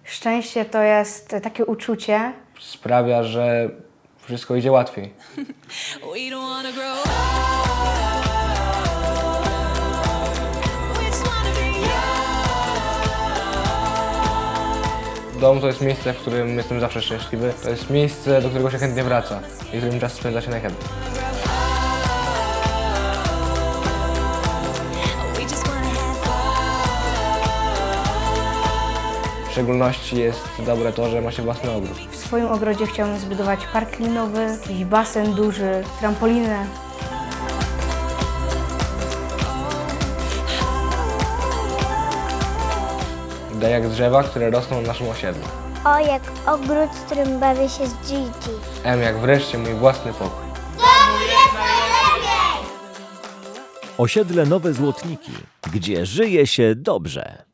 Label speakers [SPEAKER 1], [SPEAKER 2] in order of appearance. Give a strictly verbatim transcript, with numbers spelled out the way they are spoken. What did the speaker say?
[SPEAKER 1] Szczęście to jest takie uczucie,
[SPEAKER 2] Sprawia, że wszystko idzie łatwiej.
[SPEAKER 3] We don't wanna grow up. We just wanna be young.
[SPEAKER 2] Dom to jest miejsce, w którym jestem zawsze szczęśliwy. To jest miejsce, do którego się chętnie wraca i w którym czas spędza się najchętniej.
[SPEAKER 3] We just wanna have fun.
[SPEAKER 2] W szczególności jest dobre to, że ma się własny ogród.
[SPEAKER 1] w swoim ogrodzie chciałbym zbudować park linowy, jakiś basen duży, trampolinę.
[SPEAKER 2] D jak drzewa, które rosną na naszym osiedlu.
[SPEAKER 4] O jak ogród, w którym bawię się z Gigi.
[SPEAKER 2] M jak wreszcie mój własny pokój.
[SPEAKER 5] Osiedle Nowe Złotniki, gdzie żyje się dobrze.